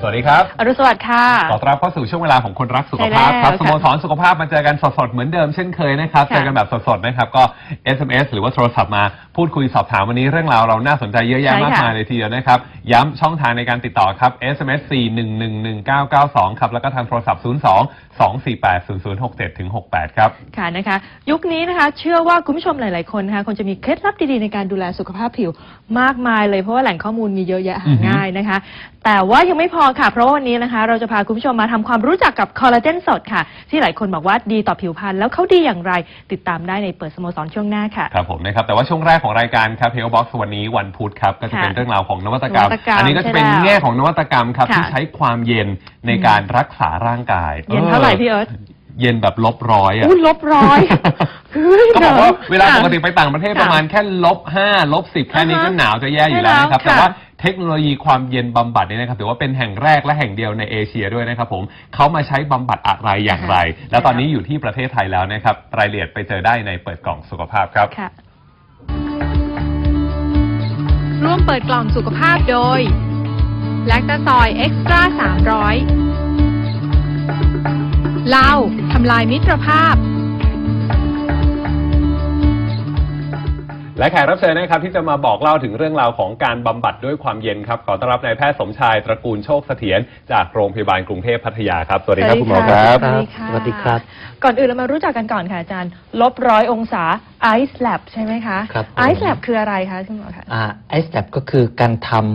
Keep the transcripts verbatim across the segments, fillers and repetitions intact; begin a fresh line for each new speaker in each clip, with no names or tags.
วัสดีครับ
อรุณสวัสดิ์ค่ะ
ขอต้อนรับเข้าสู่ช่วงเวลาของคนรักสุขภาพครับสโมสรสุขภาพมาเจอกันสดๆเหมือนเดิมเช่นเคยนะครับเจอกันแบบสดๆนะครับก็ เอส เอ็ม เอส หรือว่าโทรศัพท์มาพูดคุยสอบถามวันนี้เรื่องราวเราน่าสนใจเยอะแยะมากมายเลยทีเดียวนะครับย้ำช่องทางในการติดต่อครับ เอส เอ็ม เอส สี่ หนึ่ง หนึ่ง หนึ่ง เก้า เก้า สองครับแล้วก็ทางโทรศัพท์ศูนย์ สอง สอง สี่ แปด ศูนย์ ศูนย์ หก เจ็ด ถึง หก แปดครับ
ค่ะนะคะยุคนี้นะคะเชื่อว่าคุณผู้ชมหลายๆคนนะคะคงจะมีเคล็ดลับดีๆในการดูแลสุขภาพผิวมากมายเลยเพราะว่าแหล่งข้อมูลมีเยอะแยะหาง่ายนะคะแต่ว่ายังไม่พอค่ะเพราะว่าวันนี้นะคะเราจะพาคุณผู้ชมมาทำความรู้จักกับคอลลาเจนสดค่ะที่หลายคนบอกว่าดีต่อผิวพรรณแล้วเขาดีอย่างไรติดตามได้ในเปิดสโมสรช่วงหน้าค่ะ
ครับผมนะครับแต่ว่าช่วงแรกของรายการครับ Health Box วันนี้วันพุธครับก็จะเป็นเรื่องราวของนวัตกรรมอันนี้ก็จะเป็นแง่ของนวัตกรรมครับที่ใช้ความเย็นในการรักษาร่างกาย
เย็นเท่าไหร่พี่เอิร์ธ
เย็นแบบลบร้อยอ่ะ
ลบร้อย
ก็บอกว่าเวลาปกติไปต่างประเทศประมาณแค่ลบห้าลบสิบแค่นี้ก็หนาวจะแย่อยู่แล้วนะครับแต่ว่าเทคโนโลยีความเย็นบำบัดนี่นะครับถือว่าเป็นแห่งแรกและแห่งเดียวในเอเชียด้วยนะครับผมเขามาใช้บำบัดอะไรอย่างไรแล้วตอนนี้อยู่ที่ประเทศไทยแล้วนะครับรายละเอียดไปเจอได้ในเปิดกล่องสุขภาพครับ
ร่วมเปิดกล่องสุขภาพโดยแลคตาซอยเอ็กซ์ตร้าสามร้อยเหล้าทำลายมิตรภาพ
และแขกรับเชิญนะครับที่จะมาบอกเล่าถึงเรื่องราวของการบำบัดด้วยความเย็นครับขอต้อนรับนายแพทย์สมชายตระกูลโชคเสถียรจากโรงพยาบาลกรุงเทพพัทยาครับสวัสดีครับคุณหมอครับ
สวัสดีค่ะสวัสดีครับก่อนอื่นเรามารู้จักกันก่อนค่ะอาจารย์ลบร้อยองศา Ice Lab ใช่ไหมคะ
ครับ
Ice Lab คืออะไรคะคุณหมอคะ
อ่า Ice Lab ก็คือการทำ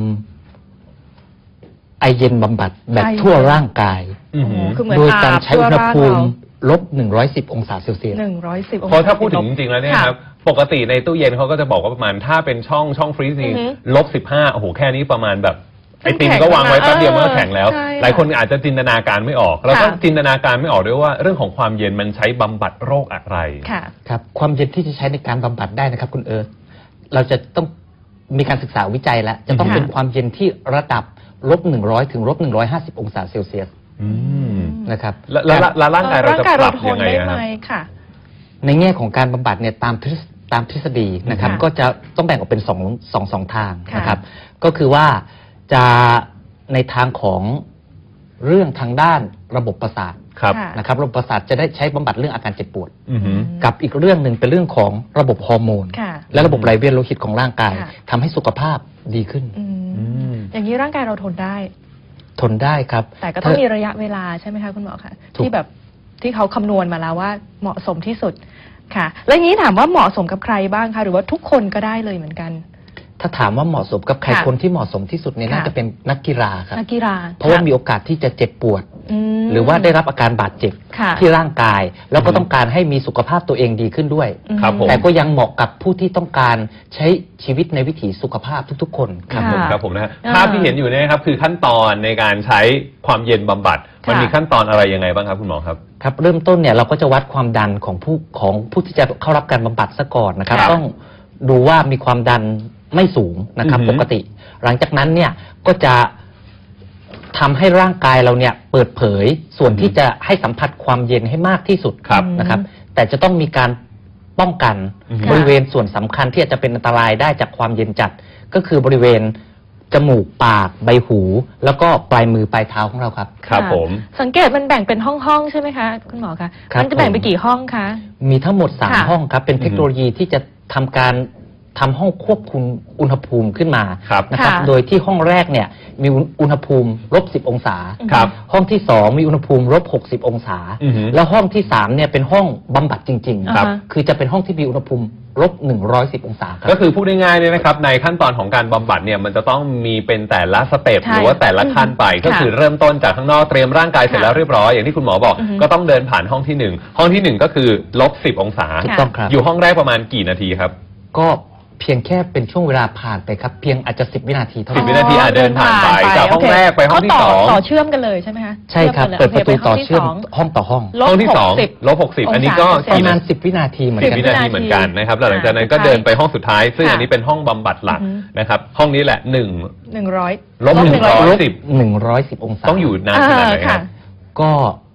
ไอเย็นบำบัดแบบทั่วร่างกายโดยการใช้อุณหภูมิลบหนึ่งร้อยสิบองศาเซลเซียส
หนึ่งร้อยสิบองศา
เพราะถ้าพูดถึงจริงๆแล้วเนี่ยครับปกติในตู้เย็นเขาก็จะบอกว่าประมาณถ้าเป็นช่องช่องฟรีซิ่งลบสิบห้าโอ้โหแค่นี้ประมาณแบบไอติมก็วางไว้แป๊บเดียวมันก็แข็งแล้วหลายคนอาจจะจินตนาการไม่ออกแล้วก็จินตนาการไม่ออกด้วยว่าเรื่องของความเย็นมันใช้บำบัดโรคอะไร
ครับความเย็นที่จะใช้ในการบำบัดได้นะครับคุณเอิร์ธเราจะต้องมีการศึกษาวิจัยแล้วจะต้องเป็นความเย็นที่ระดับลบหนึ่งร้อยถึงลบหนึ่งร้อยห้าสิบองศาเซลเซียสนะครับ
แล้วร่างกายเราจะปรับยังไง
ครับ
ในแง่ของการบำบัดเนี่ยตามตามทฤษฎีนะครับก็จะต้องแบ่งออกเป็นสองสองสองทางนะครับก็คือว่าจะในทางของเรื่องทางด้านระบบประสาทนะครับระบบประสาทจะได้ใช้บำบัดเรื่องอาการเจ็บปวดกับอีกเรื่องหนึ่งเป็นเรื่องของระบบฮอร์โมนและระบบไหลเวียนโลหิตของร่างกายทำให้สุขภาพดีขึ้น
อย่างนี้ร่างกายเราทนได้
ทนได้ครับ
แต่ก็ต้องมีระยะเวลาใช่ไหมคะคุณหมอคะที่แบบที่เขาคำนวณมาแล้วว่าเหมาะสมที่สุดค่ะแล้วอย่างนี้ถามว่าเหมาะสมกับใครบ้างคะหรือว่าทุกคนก็ได้เลยเหมือนกัน
ถ้าถามว่าเหมาะสมกับใครคนที่เหมาะสมที่สุดเนี่ยน่าจะเป็นนักกีฬาครับ
นักกีฬา
เพราะว่ามีโอกาสที่จะเจ็บปวดหรือว่าได้รับอาการบาดเจ็บที่ร่างกายแล้วก็ต้องการให้มีสุขภาพตัวเองดีขึ้นด้วยแต่ก็ยังเหมาะกับผู้ที่ต้องการใช้ชีวิตในวิถีสุขภาพทุกๆคน
ครับผมครับผมนะภาพที่เห็นอยู่เนี่ยครับคือขั้นตอนในการใช้ความเย็นบำบัดมันมีขั้นตอนอะไรยังไงบ้างครับคุณหมอครับ
ครับเริ่มต้นเนี่ยเราก็จะวัดความดันของผู้ของผู้ที่จะเข้ารับการบำบัดซะก่อนนะครับต้องดูว่ามีความดันไม่สูงนะครับปกติหลังจากนั้นเนี่ยก็จะทำให้ร่างกายเราเนี่ยเปิดเผยส่วนที่จะให้สัมผัสความเย็นให้มากที่สุดนะครับแต่จะต้องมีการป้องกันบริเวณส่วนสำคัญที่อาจจะเป็นอันตรายได้จากความเย็นจัดก็คือบริเวณจมูกปากใบหูแล้วก็ปลายมือปลายเท้าของเราครับ
ครับผม
สังเกตมันแบ่งเป็นห้องๆใช่ไหมคะคุณหมอคะมันจะแบ่งไปกี่ห้องคะ
มีทั้งหมดสามห้องครับเป็นเทคโนโลยีที่จะทำการทำห้องควบคุมอุณหภูมิขึ้นมานะครับโดยที่ห้องแรกเนี่ยมีอุณหภูมิลบสิบองศาห้องที่สองมีอุณหภูมิลบหกสิบองศาแล้วห้องที่สามเนี่ยเป็นห้องบำบัดจริงๆครับคือจะเป็นห้องที่มีอุณหภูมิลบหนึ่งร้อยสิบองศา
ก็คือพูดง่ายๆเนี่ยนะครับในขั้นตอนของการบำบัดเนี่ยมันจะต้องมีเป็นแต่ละสเต็ปหรือว่าแต่ละขั้นไปก็คือเริ่มต้นจากข้างนอกเตรียมร่างกายเสร็จแล้วเรียบร้อยอย่างที่คุณหมอบอกก็ต้องเดินผ่านห้องที่หนึ่งห้องที่หนึ่งก็คือลบสิบองศาอยู่ห้องแรกประมาณกี่นาทีครับ
ก็เพียงแค่เป็นช่วงเวลาผ่านไปครับเพียงอาจจะสิบวินาทีเท่า
นั้นสิบวินาทีอาจเดินผ่านไปจากห้องแรกไปห้องที่สอง
ต่อเชื่อมกันเลยใช่ไหมคะ
ใช่ครับเปิดประตูต่อเชื่อมห้องต่อห้อง
ห้องที่สองลบหกสิบอันนี้ก็
ประมาณสิบวินาทีเหมือนกัน
สิบวินาทีเหมือนกันนะครับหลังจากนั้นก็เดินไปห้องสุดท้ายซึ่งอันนี้เป็นห้องบำบัดหลักนะครับห้องนี้แหละหนึ่ง
หนึ่งร้อย
ลบหนึ่งร้อยสิบ
หนึ่งร้อยสิบองศา
ต้องอยู่นานขนาดไหนครับ
ก็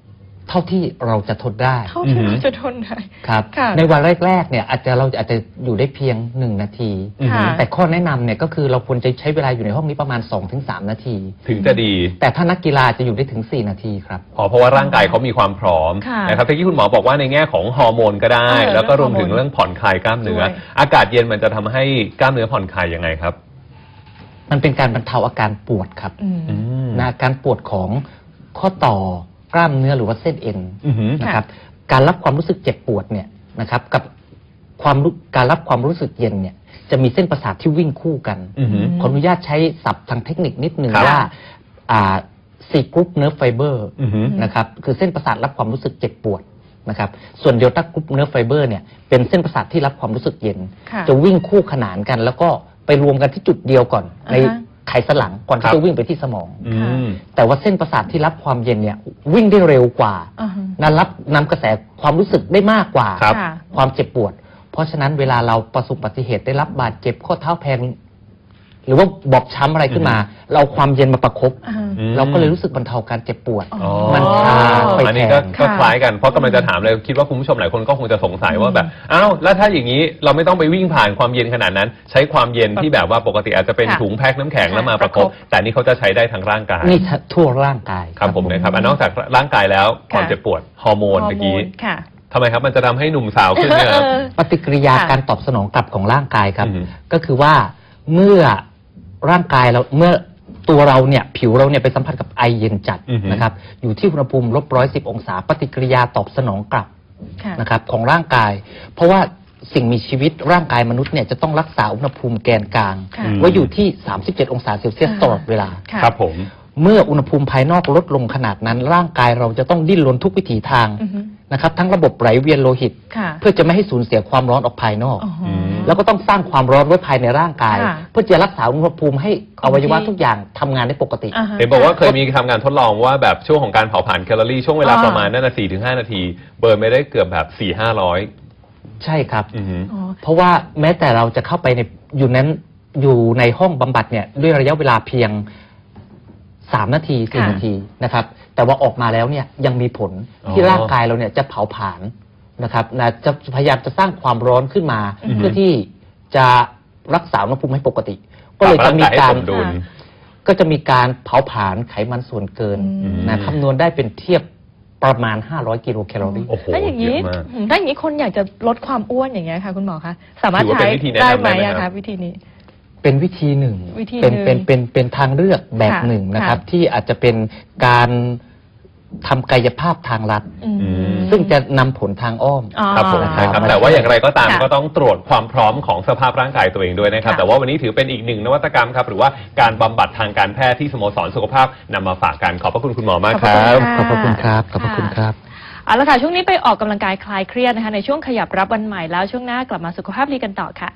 เท่าที่เราจะทนได้
เท่าที่เราจะทนได้
ครับ
ค่ะ
ในวันแรกๆเนี่ยอาจจะเราอาจจะอยู่ได้เพียงหนึ่งนาที
ค่ะ
แต่ข้อแนะนำเนี่ยก็คือเราควรจะใช้เวลาอยู่ในห้องนี้ประมาณ สองถึงสาม นาที
ถึงจะดี
แต่ถ้านักกีฬาจะอยู่ได้ถึงสี่นาทีครับ
อ๋อเพราะว่าร่างกายเขามีความพร้อม
ค่ะ
นะครับเมื่อกี้คุณหมอบอกว่าในแง่ของฮอร์โมนก็ได้
เออ
แล้วก็รวมถึง
เรื่องฮอร์โมน
เรื่องผ่อนคลายกล้ามเนื้อ
ด้วย
อากาศเย็นมันจะทำให้กล้ามเนื้อผ่อนคลายยังไงครับ
มันเป็นการบรรเทาอาการปวดครับ
อืม
อืม
นะอาการปวดของข้อต่อกล้ามเนื้อหรือว่าเส้นเอ็น
อือหือ
นะครับการรับความรู้สึกเจ็บปวดเนี่ยนะครับกับความรู้การรับความรู้สึกเย็นเนี่ยจะมีเส้นประสาทที่วิ่งคู่กัน
อือหือ
ขออนุญาตใช้ศัพท์ทางเทคนิคนิดหนึ่ง
ครับ
ว่าอ่าซีกรุ๊ปเนิร์ฟไฟเบอร์
อือหือ
นะครับคือเส้นประสาทรับความรู้สึกเจ็บปวดนะครับส่วนโยตากรุ๊ปเนิร์ฟไฟเบอร์เนี่ยเป็นเส้นประสาทที่รับความรู้สึกเย็น
ค่ะ
จะวิ่งคู่ขนานกัน แล้วก็ไปรวมกันที่จุดเดียวก่อน
อ่าฮะ
ในไขสันหลังก่อน
ครั
ที่
บ
จะวิ่งไปที่สมอง
อืม
แต่ว่าเส้นประสาทที่รับความเย็นเนี่ยวิ่งได้เร็วกว่า
อ่าฮะ
นั้นรับนำกระแสความรู้สึกได้มากกว่า
ครับ
ค่ะ
ความเจ็บปวด เพราะฉะนั้นเวลาเราประสบอุบัติเหตุได้รับบาดเจ็บข้อเท้าแพลงหรือว่าบอบช้ำอะไรขึ้นมา เราเอาความเย็นมาประคบ
อ่าฮะ
อืม
เราก็เลยรู้สึกบรรเทาการเจ็บปวด
อ๋อ
มันชาไป
อัน
แท
นี้ก็
น
ก็
ค่ะ
คล้ายกันเพราะกำลังจะถามเลยคิดว่าคุณผู้ชมหลายคนก็คงจะสงสัยว่าแบบอ้าวแล้วถ้าอย่างนี้เราไม่ต้องไปวิ่งผ่านความเย็นขนาดนั้น ใช้ความเย็นที่แบบว่าปกติอาจจะเป็น
ค่ะ
ถุงแพ็คน้ำแข็งแล้วมา
ค่ะ
ประคบ
ประคบ
แต่นี่เขาจะใช้ได้ทั้งร่างกาย
นี่ทั่วร่างกาย
ครับผมนะครับอ่ะนอกจากร่างกายแล้วความเจ็บปวดฮอร์โมน
ฮอ
เมื่อ
ร์โม
กี้
นค่ะ
ทำไมครับมันจะทำให้หนุ่มสาวขึ้นเนี่ยครับ
เออ
ปฏิกิริยา
ค่ะ
การตอบสนองกลับของร่างกายครับ
อือฮึ
ก็คือว่าเมื่อร่างกายเราเมื่อตัวเราเนี่ยผิวเราเนี่ยไปสัมผัสกับไอเย็นจัด
อือฮึ
นะครับอยู่ที่อุณหภูมิลบร้อยสิบองศา ปฏิกิริยาตอบสนองกลับ
ค่ะ
นะครับของร่างกาย เพราะว่าสิ่งมีชีวิตร่างกายมนุษย์เนี่ยจะต้องรักษาอุณหภูมิแกนกลาง
ค่ะ
ไว้อยู่ที่สามสิบเจ็ดองศาเซลเซียส
อ่า
ตลอดเวลา
ค่ะ
ครับผม
เมื่ออุณหภูมิภายนอกลดลงขนาดนั้น ร่างกายเราจะต้องดิ้นรนทุกวิถีทาง
อือฮึ
นะครับทั้งระบบไหลเวียนโลหิต
ค่ะ
เพื่อจะไม่ให้สูญเสียความร้อนออกภายนอก
อ๋ออ
ม
แล้วก็ต้องสร้างความร้อนไว้ภายในร่างกาย
ค่ะ
เพื่อจะรักษาอุณหภูมิให้อวัยวะ
คงที่
ทุกอย่างทำงานได้ปกติ
อ่าฮะ
เห็นบอกว่าเคยมีทำการทดลองว่าแบบช่วงของการเผาผลาญแคลอรี่ช่วงเวลา
อ่า
ประมาณนั่นนะสี่ถึงห้านาที เบิร์นไม่ได้เกือบแบบสี่ห้าร้อย
ใช่ครับ
อือหือ
อ๋อ
เพราะว่าแม้แต่เราจะเข้าไปในอยู่นั้นอยู่ในห้องบำบัดเนี่ยด้วยระยะเวลาเพียงสามนาทีสี่
ค่ะ
นาทีนะครับ แต่ว่าออกมาแล้วเนี่ยยังมีผล
อ๋อ
ที่ร่างกายเราเนี่ยจะเผาผลาญนะครับนะจะพยายามจะสร้างความร้อนขึ้นมา
อือฮึ
เพื่อที่จะรักษาอุณหภูมิให้ปกติ ก็เลยจะมี
ปบ
การ
งยให้สมดุล
ก็จะมีการเผาผลาญไขมันส่วนเกิน
อืม
นะคำนวณได้เป็นเทียบประมาณห้าร้อยกิโลแคลอรี่
โอ้โห
ถ้าอย่างนี้
เยอะมาก
อืมถ้าอย่างนี้คนอยากจะลดความอ้วนอย่างเงี้ยค่ะ คุณหมอคะสามารถ
ถือว่า
ใช้
เป็นวิธีแนะนำ
ได้ไหม
ได้ไหม
อะ
ครั
คะ
บ
วิธีนี้
เป็นวิธีหนึ่ง
วิธี
เป็น
หนึ่ง
เป็นเป็นเป็นทางเลือกแบบ
ค่ะ
หนึ่งนะครับ
ค่ะ
ที่อาจจะเป็นการทำกายภาพทางลัด
อืม
ม
ซึ่งจะนำผลทางอ้อม
อ๋อ
ครับผม
นะครั
นะครับ
บ
แต่ว่าอย่างไรก็ตาม
ค่ะ
ก็ต้องตรวจความพร้อมของสภาพร่างกายตัวเองด้วยนะครับ
ค่ะ
แต่ว่าวันนี้ถือเป็นอีกหนึ่งนวัตกรรมครับหรือว่าการบำบัดทางการแพทย์ที่สโมสรสุขภาพนำมาฝากกันขอบพระคุณคุณหมอมากครั
ขอบพระคุณ
บ
ค่ะ
ขอบพระคุณครับ ขอบพระคุณครับ
เอาละค่ะช่วงนี้ไปออกกำลังกายคลายเครียดนะคะในช่วงขยับรับวันใหม่แล้วช่วงหน้ากลับมาสุขภาพดีกันต่อค่ะ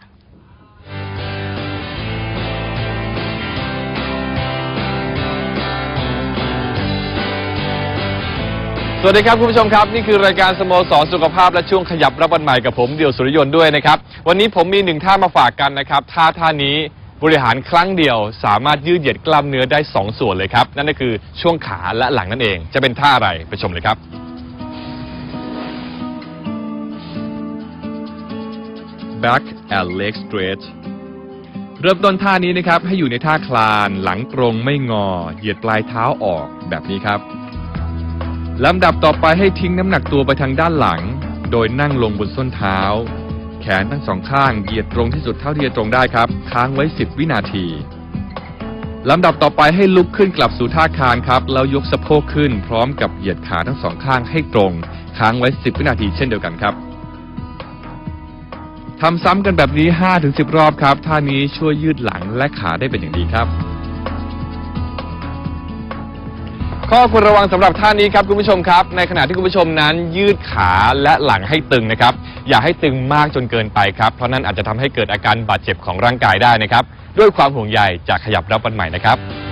สวัสดีครับคุณผู้ชมครับนี่คือรายการสโมสรสุขภาพและช่วงขยับรับวันใหม่กับผมเดี่ยวสุริยนต์ด้วยนะครับวันนี้ผมมีหนึ่งท่ามาฝากกันนะครับท่าท่านี้บริหารครั้งเดียวสามารถยืดเหยียดกล้ามเนื้อได้สองส่วนเลยครับนั่นก็คือช่วงขาและหลังนั่นเองจะเป็นท่าอะไรไปชมเลยครับ Back and leg stretch เริ่มต้นท่านี้นะครับให้อยู่ในท่าคลานหลังตรงไม่งอเหยียดปลายเท้าออกแบบนี้ครับลำดับต่อไปให้ทิ้งน้ำหนักตัวไปทางด้านหลัง โดยนั่งลงบนส้นเท้า แขนทั้งสองข้างเหยียดตรงที่สุดเท่าที่จะตรงได้ครับค้างไว้สิบวินาทีลำดับต่อไปให้ลุกขึ้นกลับสู่ท่าคานครับแล้วยกสะโพกขึ้นพร้อมกับเหยียดขาทั้งสองข้างให้ตรงค้างไว้สิบวินาทีเช่นเดียวกันครับทำซ้ำกันแบบนี้ ห้าถึงสิบ รอบครับท่านี้ช่วยยืดหลังและขาได้เป็นอย่างดีครับข้อควรระวังสำหรับท่านี้ครับคุณผู้ชมครับในขณะที่คุณผู้ชมนั้นยืดขาและหลังให้ตึงนะครับอย่าให้ตึงมากจนเกินไปครับเพราะนั่นอาจจะทำให้เกิดอาการบาดเจ็บของร่างกายได้นะครับด้วยความห่วงใยจากขยับรับวันใหม่นะครับ